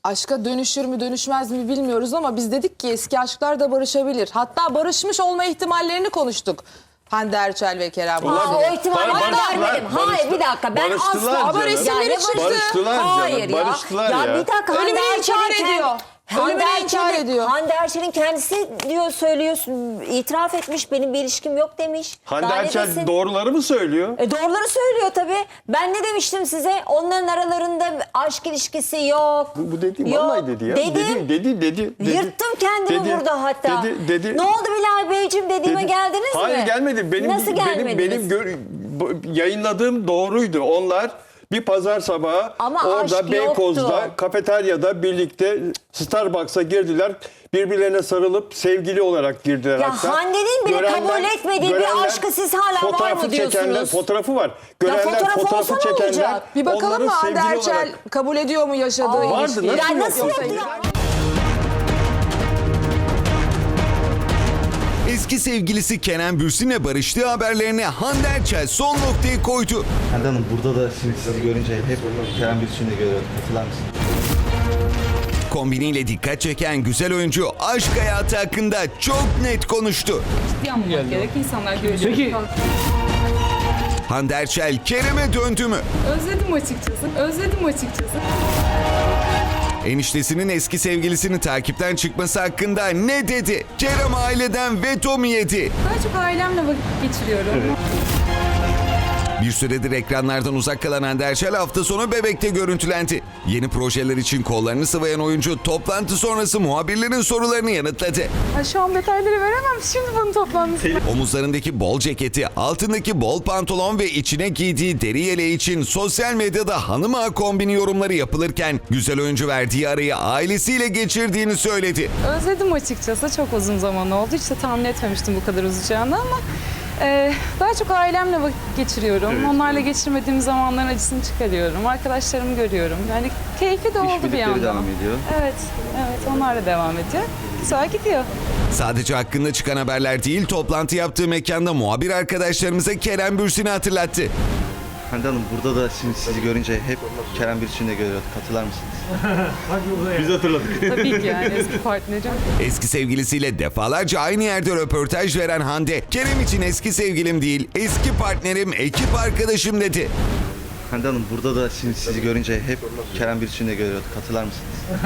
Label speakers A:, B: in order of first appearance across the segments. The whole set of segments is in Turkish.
A: aşka dönüşür mü dönüşmez mi bilmiyoruz ama biz dedik ki eski aşklar da barışabilir. Hatta barışmış olma ihtimallerini konuştuk. Hande Erçel ve Kerem Bürsin.
B: O ihtimali ben vermedim. Hayır bir dakika ben asla.
A: Ama resimleri çıktı.
C: Barıştılar
B: Hayır
C: canım,
B: ya.
C: barıştılar ya.
B: Bir dakika
A: Ölümünü inkar ediyor. Ölümünü inkar ediyor.
B: Hande Erçel'in kendisi diyor söylüyorsun, itiraf etmiş, benim bir ilişkim yok demiş.
C: Hande
B: Daha ne
C: Erçel
B: desin?
C: doğruları mı söylüyor?
B: Doğruları söylüyor tabii. Ben ne demiştim size? Onların aralarında aşk ilişkisi yok.
C: Bu dediğim
B: Yok.
C: vallahi dedi ya. Dedi.
B: Yırttım kendimi
C: Dedi.
B: burada hatta.
C: Dedi.
B: Ne oldu Bilal Beyciğim dediğime geldiniz mi?
C: Hayır gelmedi.
B: Nasıl gelmediniz?
C: Yayınladığım doğruydu. Onlar bir pazar sabahı
B: Ama
C: orada
B: aşk
C: Beykoz'da
B: yoktu.
C: kafeteryada birlikte Starbucks'a girdiler. Birbirlerine sarılıp sevgili olarak girdiler
B: Ya
C: hatta.
B: Hande'nin bile kabul etmediği bir aşkı siz hala var mı diyorsunuz?
C: Fotoğrafı var. Görenler
B: fotoğrafı
C: fotoğrafı
B: olsa ne
C: çekenler.
B: olacak?
A: Bir bakalım
C: onları
A: mı Hande
C: sevgili
A: Erçel
C: olarak-
A: kabul ediyor mu yaşadığı
C: Vardı,
A: ilişkiyi?
C: nasıl
B: Ya
C: yok?
B: nasıl
C: Yoksa
B: yok ya?
D: Eski sevgilisi Kenan Bürsin'le barıştığı haberlerine Hande Erçel son noktayı koydu.
E: Hande Hanım burada da şimdi sizi görünce hep Kerem Bürsin'i görüyorum. Hatırlar mısınız?
D: Kombiniyle dikkat çeken güzel oyuncu aşk hayatı hakkında çok net konuştu.
F: Yanmamak gerek, insanlar görüyor.
G: Peki
D: Hande Erçel Kerem'e döndü mü?
F: Özledim açıkçası.
D: Eniştesinin eski sevgilisini takipten çıkması hakkında ne dedi? Kerem aileden veto mu yedi?
F: Daha çok ailemle vakit geçiriyorum.
D: Bir süredir ekranlardan uzak kalan Hande Erçel hafta sonu Bebek'te görüntülendi. Yeni projeler için kollarını sıvayan oyuncu toplantı sonrası muhabirlerin sorularını yanıtladı.
F: Şu an detayları veremem. Şimdi bunun toplantısı.
D: Omuzlarındaki bol ceketi, altındaki bol pantolon ve içine giydiği deri yeleği için sosyal medyada hanım ağa kombini yorumları yapılırken güzel oyuncu verdiği arayı ailesiyle geçirdiğini söyledi.
F: Özledim açıkçası. Çok uzun zaman oldu. Hiç de tahmin etmemiştim bu kadar uzayacağını ama daha çok ailemle vakit geçiriyorum. Onlarla geçirmediğim zamanların acısını çıkarıyorum. Arkadaşlarımı görüyorum. Yani keyfi de oldu bir
E: birlikleri
F: yandan.
E: devam ediyor.
F: Evet, onlarla devam ediyor. Güzel gidiyor.
D: Sadece hakkında çıkan haberler değil, toplantı yaptığı mekanda muhabir arkadaşlarımıza Kerem Bürsin'i hatırlattı.
E: Hande Hanım burada da şimdi sizi görünce hep Kerem Bürsin'i görüyorum. Hatırlar mısınız?
C: Biz hatırladık.
F: Tabii ki yani eski partnerim.
D: Eski sevgilisiyle defalarca aynı yerde röportaj veren Hande, Kerem için eski sevgilim değil, eski partnerim, ekip arkadaşım dedi.
E: Hande Hanım burada da şimdi sizi görünce hep Kerem Bürsin'i görüyorum. Hatırlar mısınız?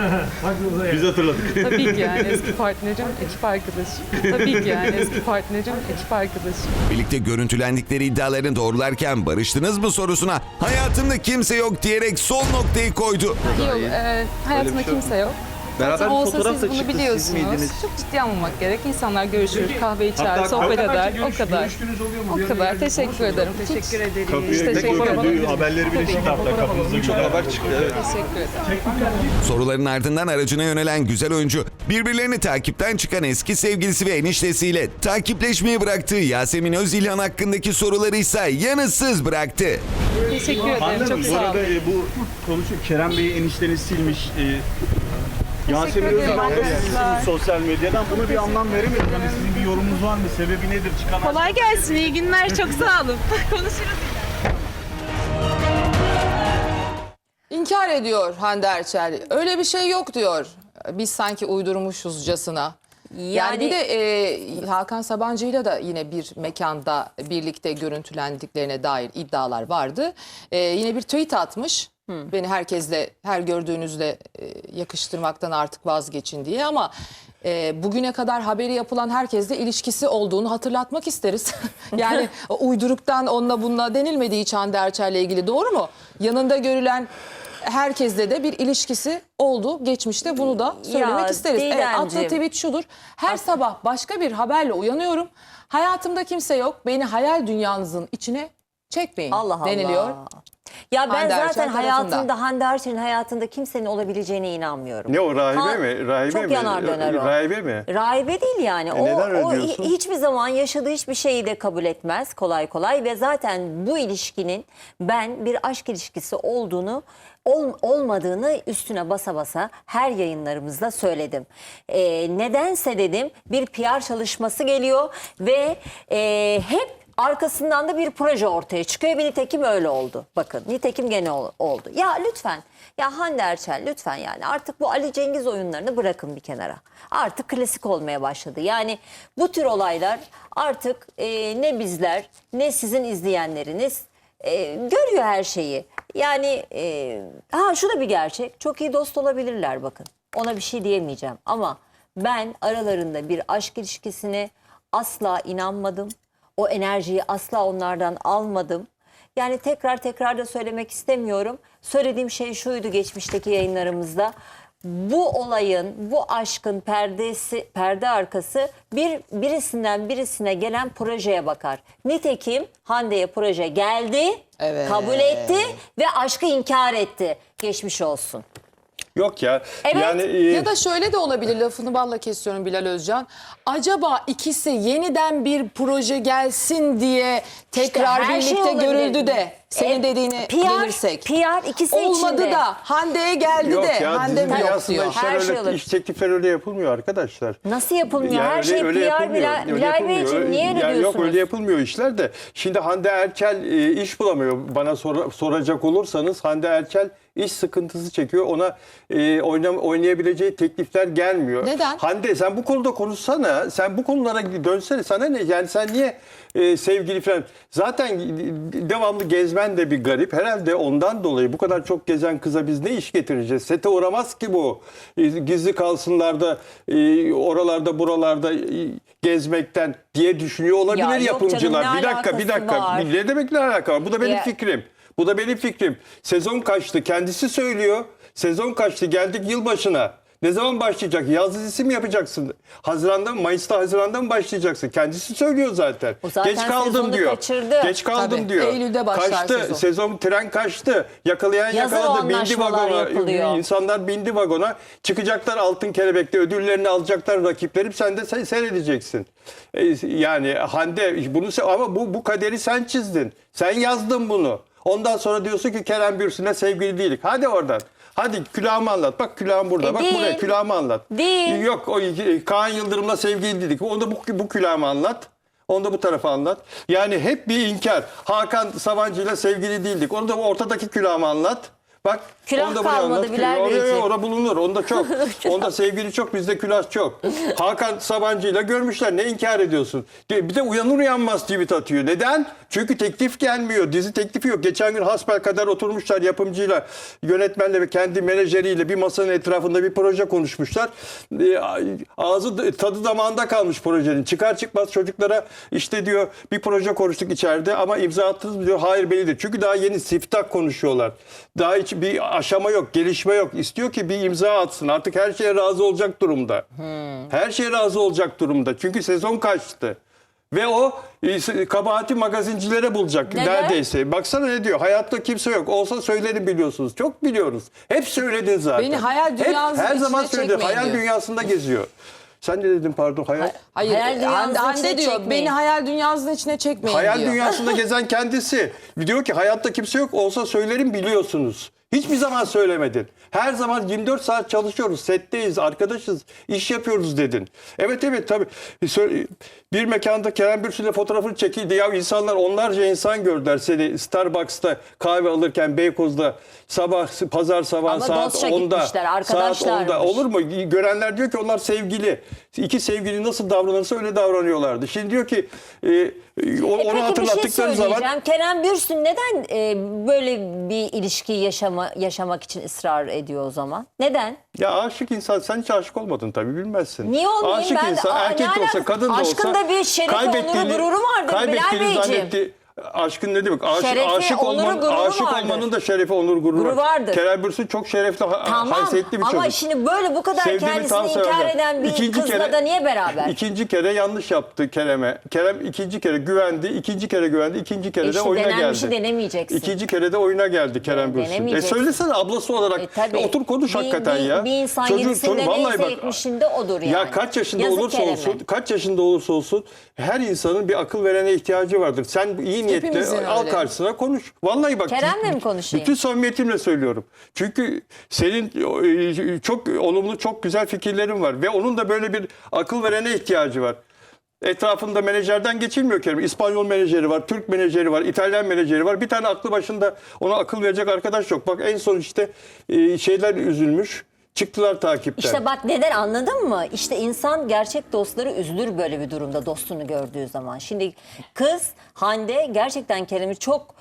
C: Biz hatırladık.
F: Tabii ki yani eski partnerim, ekip arkadaşım. Tabii ki yani eski partnerim, ekip arkadaşım.
D: Birlikte görüntülendikleri iddialarını doğrularken barıştınız mı sorusuna hayatımda kimse yok diyerek son noktayı koydu.
F: Yok, hayatımda kimse yok.
E: Beraber
F: Zaten
E: bir
F: olsa
E: fotoğraf
F: siz
E: da
F: bunu
E: çıktı, siz
F: biliyorsunuz.
E: miydiniz?
F: Çok ciddi almamak gerek. İnsanlar görüşür, kahve içer, sohbet eder. O kadar. O kadar. Teşekkür ederim. Teşekkür ederim. Teşekkür ederim.
C: Haberleri bile şimdi hatta kapınızda
E: Çok haber çıktı. Evet.
F: Teşekkür ederim.
D: Soruların ardından aracına yönelen güzel oyuncu, birbirlerini takipten çıkan eski sevgilisi ve eniştesiyle takipleşmeyi bıraktığı Yasemin Özilhan hakkındaki soruları ise yanıtsız bıraktı.
F: Teşekkür ederim. Çok sağ olun.
G: bu konuşuyor. Kerem Bey'i enişteniz silmiş. Yasemin
F: ederim
G: Özilhan da sizi
F: arkadaşlar.
G: silmiş sosyal medyadan. Buna bir anlam veremedim. Hani sizin bir yorumunuz var mı? Sebebi nedir? Çıkan
F: Kolay gelsin. İyi günler. Çok sağ olun. Konuşuruz.
A: İnkar ediyor Hande Erçel. Öyle bir şey yok diyor. Biz sanki uydurmuşuzcasına. Yani bir de Hakan Sabancı'yla da yine bir mekanda birlikte görüntülendiklerine dair iddialar vardı. Yine bir tweet atmış. Beni herkesle, her gördüğünüzle yakıştırmaktan artık vazgeçin diye ama bugüne kadar haberi yapılan herkesle ilişkisi olduğunu hatırlatmak isteriz. Yani uyduruktan onunla bununla denilmediği hiç Hande Erçel'le ilgili, doğru mu? Yanında görülen herkesle de bir ilişkisi oldu. Geçmişte bunu da söylemek isteriz. Evet, attığı tweet şudur: her sabah başka bir haberle uyanıyorum. Hayatımda kimse yok. Beni hayal dünyanızın içine çekmeyin deniliyor.
B: Allah. Ya ben
A: Hande Erçel
B: zaten
A: tarafında.
B: hayatımda, Hande Erçel'in hayatında kimsenin olabileceğine inanmıyorum.
C: Ne o, rahibe mi? Rahibe
B: çok
C: mi?
B: yanar döner o.
C: Rahibe mi?
B: Rahibe değil yani.
C: Neden öyle
B: o
C: diyorsun?
B: hiçbir zaman yaşadığı hiçbir şeyi de kabul etmez kolay kolay ve zaten bu ilişkinin ben bir aşk ilişkisi olduğunu olmadığını üstüne basa basa her yayınlarımızda söyledim. Nedense dedim bir PR çalışması geliyor ve hep Arkasından da bir proje ortaya çıkıyor. Bir nitekim öyle oldu. Bakın nitekim gene oldu. Ya lütfen, ya Hande Erçel lütfen, yani artık bu Ali Cengiz oyunlarını bırakın bir kenara. Artık klasik olmaya başladı. Yani bu tür olaylar artık ne bizler ne sizin izleyenleriniz görüyor her şeyi. Yani şu da bir gerçek. Çok iyi dost olabilirler bakın. Ona bir şey diyemeyeceğim. Ama ben aralarında bir aşk ilişkisine asla inanmadım. O enerjiyi asla onlardan almadım. Yani tekrar da söylemek istemiyorum. Söylediğim şey şuydu geçmişteki yayınlarımızda. Bu olayın, bu aşkın perde arkası birisinden birisine gelen projeye bakar. Nitekim Hande'ye proje geldi,
A: Evet.
B: kabul etti ve aşkı inkar etti. Geçmiş olsun.
C: Yok ya.
B: Evet.
C: Yani
A: Ya da şöyle de olabilir, lafını balla kesiyorum Bilal Özcan. Acaba ikisi yeniden bir proje gelsin diye tekrar
B: her şey
A: birlikte
B: olabilir.
A: görüldü de senin dediğini bilirsek.
B: PR ikisi
A: Olmadı
B: içinde.
A: da Hande'ye geldi
C: yok
A: de
C: ya,
A: Hande
C: dizi
A: mi yok
C: dünyasında
A: diyor.
C: işler
B: Her şey
C: öyle,
B: olur.
C: iş teklifleri öyle yapılmıyor arkadaşlar.
B: Nasıl yapılmıyor?
C: Yani
B: Her şey PR
C: yapılmıyor,
B: Bilal
C: öyle
B: Bey
C: yapılmıyor.
B: için niye öyle
C: Yani
B: diyorsunuz?
C: yok öyle yapılmıyor işler de. Şimdi Hande Erçel iş bulamıyor. Bana soracak olursanız Hande Erçel iş sıkıntısı çekiyor. Ona oynayabileceği teklifler gelmiyor.
A: Neden?
C: Hande sen bu konuda konuşsana. Sen bu konulara dönsene. Sana ne? Yani sen niye sevgili falan. Zaten devamlı gezmen de bir garip. Herhalde ondan dolayı bu kadar çok gezen kıza biz ne iş getireceğiz? Sete uğramaz ki bu. Gizli kalsınlar da oralarda buralarda gezmekten diye düşünüyor olabilir
B: Ya yok
C: yapımcılar.
B: canım, ne
C: Bir dakika.
B: alakası var?
C: Ne demek ne alaka var? Bu da benim
B: Ya-
C: fikrim. Bu da benim fikrim. Sezon kaçtı. Kendisi söylüyor. Sezon kaçtı. Geldik yılbaşına. Ne zaman başlayacak? Yaz dizisi mi yapacaksın? Haziran'da mı başlayacaksın? Kendisi söylüyor zaten.
B: O zaten
C: Geç kaldım
B: sezonu
C: diyor.
B: kaçırdı.
C: Geç kaldım
A: Tabii,
C: diyor.
A: Eylül'de başlar
C: kaçtı.
A: sezon.
C: Tren kaçtı. Yakalayan
B: Yazın
C: yakaladı.
B: o
C: Bindi
B: anlaşmalar
C: vagona.
B: yapılıyor.
C: İnsanlar bindi vagona. Çıkacaklar Altın Kelebek'te. Ödüllerini alacaklar rakiplerim. Sen de seyredeceksin. Yani Hande bunu ama bu kaderi sen çizdin. Sen yazdın bunu. Ondan sonra diyorsun ki Kerem Bürsin'le sevgili değilik. Hadi oradan. Hadi külahımı anlat. Bak külahım burada. Bak
B: değil.
C: buraya külahımı anlat.
B: Değil.
C: Yok o Kaan Yıldırım'la sevgili değilik. Onu da bu külahımı anlat. Onu da bu tarafa anlat. Yani hep bir inkar. Hakan Sabancı'yla sevgili değildik. Onu da ortadaki külahımı anlat. Bak.
B: Külah
C: onu da buraya
B: kalmadı
C: anlat.
B: Bilal Beyciğim.
C: Orada bulunur. Onda çok. Onda sevgili çok. Bizde külah çok. Hakan Sabancı'yla görmüşler. Ne inkar ediyorsun? Bir de uyanır uyanmaz tweet atıyor. Neden? Çünkü teklif gelmiyor. Dizi teklifi yok. Geçen gün hasbelkader oturmuşlar yapımcıyla, yönetmenle ve kendi menajeriyle bir masanın etrafında bir proje konuşmuşlar. Ağzı tadı damağında kalmış projenin. Çıkar çıkmaz çocuklara işte diyor bir proje konuştuk içeride ama imza attınız mı diyor. Hayır bellidir. Çünkü daha yeni siftah konuşuyorlar. Daha hiç bir aşama yok, gelişme yok. İstiyor ki bir imza atsın. Artık her şeye razı olacak durumda. Her şeye razı olacak durumda. Çünkü sezon kaçtı. Ve o kabahati magazincilere bulacak
B: Neden?
C: neredeyse. Baksana ne diyor. Hayatta kimse yok. Olsa söylerim biliyorsunuz. Çok biliyoruz. Hep söyledin zaten.
A: Beni hayal dünyasının
C: her zaman
A: içine
C: söyledi.
A: çekmeyin
C: Hayal
A: diyor.
C: dünyasında geziyor. Sen ne dedin pardon? Hayal
A: Hayır,
B: Hayal dünyasının
A: Hande
B: içine
A: diyor
B: çekmeyin.
A: beni hayal dünyasının içine çekmeyin diyor.
C: dünyasında gezen kendisi. Diyor ki hayatta kimse yok. Olsa söylerim biliyorsunuz. Hiçbir zaman söylemedin. Her zaman 24 saat çalışıyoruz. Setteyiz, arkadaşız, iş yapıyoruz dedin. Evet tabii. Bir mekanda Kerem Bürsin'le fotoğrafını çekildi. Ya insanlar onlarca insan gördüler seni Starbucks'ta kahve alırken Beykoz'da pazar sabah
B: Ama
C: saat
B: dostça
C: 10'da.
B: gitmişler,
C: Saat
B: arkadaşlarmış.
C: 10'da. Olur mu? Görenler diyor ki onlar sevgili. İki sevgili nasıl davranırsa öyle davranıyorlardı. Şimdi diyor ki onu
B: Peki bir şey
C: hatırlattıkları zaman
B: söyleyeceğim. Kerem Bürsin neden böyle bir ilişki yaşamak için ısrar ediyor o zaman? Neden?
C: ya aşık insan sen hiç aşık olmadın tabii bilmezsin.
B: Niye olmayayım?
C: Aşık
B: Ben de-
C: insan
B: Aa,
C: erkek
B: ne
C: de olsa
B: alakası?
C: kadın da olsa
B: Aşkın da bir şerefi, onuru, gururu vardır Bilal Beyciğim.
C: Aşkın ne demek?
B: Şerefi,
C: Aşık
B: onuru,
C: olmanın,
B: gururu
C: aşık
B: vardır.
C: olmanın da şerefi, onur, gururu
B: Gururu vardır.
C: Kerem Bürsin çok şerefli,
B: Tamam
C: haysiyetli bir çocuk.
B: ama şimdi böyle bu kadar
C: Sevdiğimi tam
B: kendisini inkar
C: severler.
B: eden bir kızla da niye beraber?
C: İkinci kere yanlış yaptı Kerem'e. Kerem ikinci kere güvendi, ikinci kere de
B: İşte
C: oyuna
B: denenmişi
C: geldi.
B: denemeyeceksin.
C: İkinci kere de oyuna geldi Kerem Bürsin.
B: Denemeyeceksin.
C: Söylesene ablası olarak.
B: Tabii.
C: Otur konuş hakikaten ya.
B: Bir insan
C: Çocuğun-
B: yedisinde
C: vallahi
B: neyse
C: bak,
B: 70'inde odur yani.
C: ya kaç yaşında
B: Yazık
C: olursa
B: Kerem'e.
C: olsun, kaç yaşında olursa olsun her insanın bir akıl verene ihtiyacı vardır. Sen iyi niyetle
A: Hepimizin
C: al
A: öyle.
C: karşısına konuş. Vallahi bak.
B: Kerem'le mi konuşayım?
C: Bütün samimiyetimle söylüyorum. Çünkü senin çok olumlu, çok güzel fikirlerin var ve onun da böyle bir akıl verene ihtiyacı var. Etrafında menajerden geçilmiyor Kerem. İspanyol menajeri var, Türk menajeri var, İtalyan menajeri var. Bir tane aklı başında ona akıl verecek arkadaş yok. Bak en son işte şeyler üzülmüş. Çıktılar takipten.
B: İşte bak neden, anladın mı? İşte insan gerçek dostları üzülür böyle bir durumda, dostunu gördüğü zaman. Şimdi kız Hande gerçekten Kerem'i çok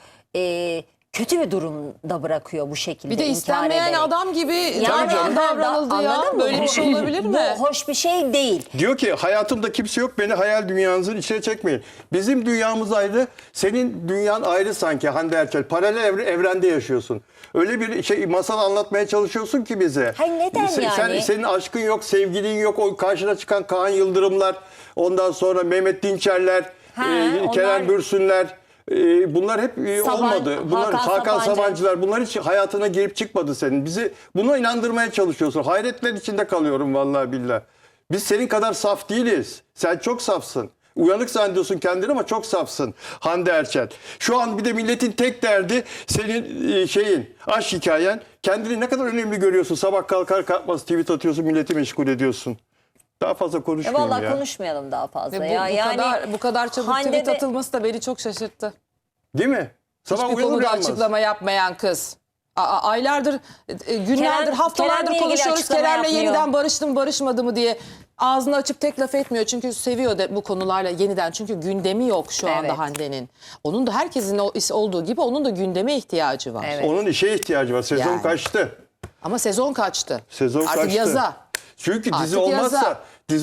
B: kötü bir durumda bırakıyor bu şekilde.
A: Bir de
B: inkar
A: istenmeyen
B: ederek.
A: adam gibi
B: Yani
A: davranıldı ya.
B: anladın mı?
A: Böyle bir şey olabilir mi?
B: Bu hoş bir şey değil.
C: Diyor ki hayatımda kimse yok, beni hayal dünyanızın içine çekmeyin. Bizim dünyamız ayrı, senin dünyan ayrı sanki Hande Erçel. Paralel evrende yaşıyorsun. Öyle bir şey masal anlatmaya çalışıyorsun ki bize.
B: Hayır, neden yani?
C: Senin aşkın yok, sevgilin yok, o karşına çıkan Kaan Yıldırımlar, ondan sonra Mehmet Dinçerler,
B: onlar-
C: Kerem Bürsünler. Bunlar hep olmadı. Bunlar
B: Hakan Sabancı.
C: Sabancılar, bunlar hiç hayatına girip çıkmadı senin. Bizi buna inandırmaya çalışıyorsun. Hayretler içinde kalıyorum vallahi billahi. Biz senin kadar saf değiliz. Sen çok safsın. Uyanık zannediyorsun kendini ama çok safsın Hande Erçel. Şu an bir de milletin tek derdi senin aşk hikayen. Kendini ne kadar önemli görüyorsun. Sabah kalkar kalkmaz tweet atıyorsun, milleti meşgul ediyorsun. Daha fazla konuşmayayım
B: Vallahi
C: ya.
B: konuşmayalım daha fazla.
A: Ve bu kadar çabuk
B: Hande'de-
A: tweet atılması da beni çok şaşırttı.
C: Değil mi? Sabah
A: Hiçbir
C: uyanır
A: konuda
C: uyanmaz.
A: açıklama yapmayan kız. Aylardır, günlerdir, haftalardır
B: Kerem'le ilgili
A: konuşuyoruz.
B: açıklama
A: Kerem'le
B: yapmıyor.
A: yeniden barıştı mı barışmadı mı diye ağzını açıp tek laf etmiyor. Çünkü seviyor da bu konularla yeniden. Çünkü gündemi yok şu anda
B: Evet.
A: Hande'nin. Onun da herkesin olduğu gibi onun da gündeme ihtiyacı var.
B: Evet.
C: Onun işe ihtiyacı var. Sezon
A: Yani.
C: kaçtı.
A: Ama sezon kaçtı.
C: Sezon
A: Artık
C: kaçtı.
A: yaza.
C: Çünkü
A: Artık
C: dizi olmazsa
A: yaza.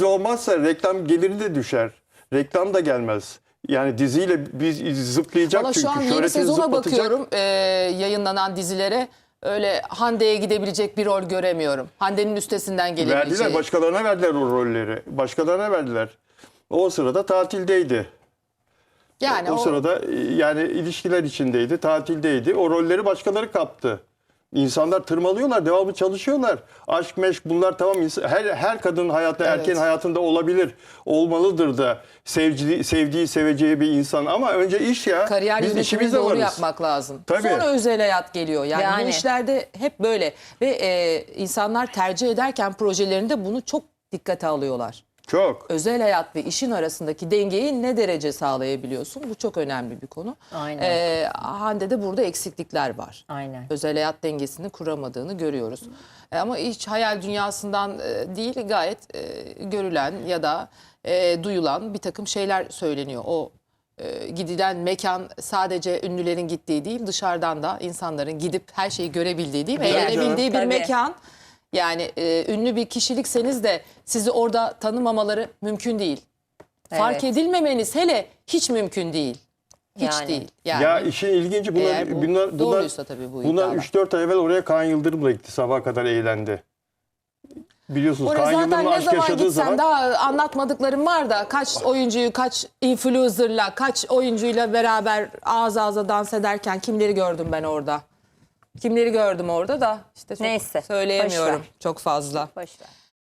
C: reklam geliri de düşer. Reklam da gelmez. Yani diziyle biz zıplayacak
A: Valla
C: çünkü.
A: şu an yeni
C: Şöhretini
A: sezona
C: zıplatacak.
A: bakıyorum yayınlanan dizilere. Öyle Hande'ye gidebilecek bir rol göremiyorum. Hande'nin üstesinden gelebileceği.
C: Verdiler, başkalarına verdiler o rolleri. Başkalarına verdiler. O sırada tatildeydi.
A: Yani
C: O sırada yani ilişkiler içindeydi, tatildeydi. O rolleri başkaları kaptı. İnsanlar tırmalıyorlar, devamlı çalışıyorlar. Aşk, meşk bunlar tamam. Her kadının hayatında,
A: Evet.
C: erkeğin hayatında olabilir. Olmalıdır da sevdiği, seveceği bir insan. Ama önce iş ya.
A: kariyer
C: Biz
A: yönetimini
C: işimizde
A: doğru
C: varız.
A: yapmak lazım.
C: Tabii.
A: Sonra özel hayat geliyor. Yani bu
B: Yani.
A: işlerde hep böyle. Ve insanlar tercih ederken projelerinde bunu çok dikkate alıyorlar.
C: Çok.
A: Özel hayat ve işin arasındaki dengeyi ne derece sağlayabiliyorsun? Bu çok önemli bir konu.
B: Aynen.
A: Hande'de burada eksiklikler var.
B: Aynen.
A: Özel hayat dengesini kuramadığını görüyoruz. Ama hiç hayal dünyasından değil, gayet görülen ya da duyulan bir takım şeyler söyleniyor. O gidilen mekan sadece ünlülerin gittiği değil, dışarıdan da insanların gidip her şeyi görebildiği değil mi?
C: Tabii
A: Eğlenebildiği bir
B: canım. Tabii.
A: mekan. Yani ünlü bir kişilikseniz de sizi orada tanımamaları mümkün değil. Fark
B: Evet.
A: edilmemeniz hele hiç mümkün değil. Hiç
B: Yani.
A: değil. Yani.
C: Ya işin ilginci
A: Eğer bu doğruysa tabii bu
C: bunlar
A: iddialar.
C: 3-4 ay evvel oraya Kaan Yıldırım'la gitti. Sabaha kadar eğlendi. Biliyorsunuz
A: Oraya
C: Kaan
A: zaten
C: Yıldırım'la
A: ne
C: aşk
A: zaman
C: yaşadığı
A: gitsen
C: zaman
A: daha anlatmadıklarım var da kaç oyuncuyu, kaç influencer'la, kaç oyuncuyla beraber ağız ağza dans ederken kimleri gördüm ben orada. Kimleri gördüm orada da işte çok
B: Neyse,
A: söyleyemiyorum
B: boş ver.
A: çok fazla.
B: Boş ver.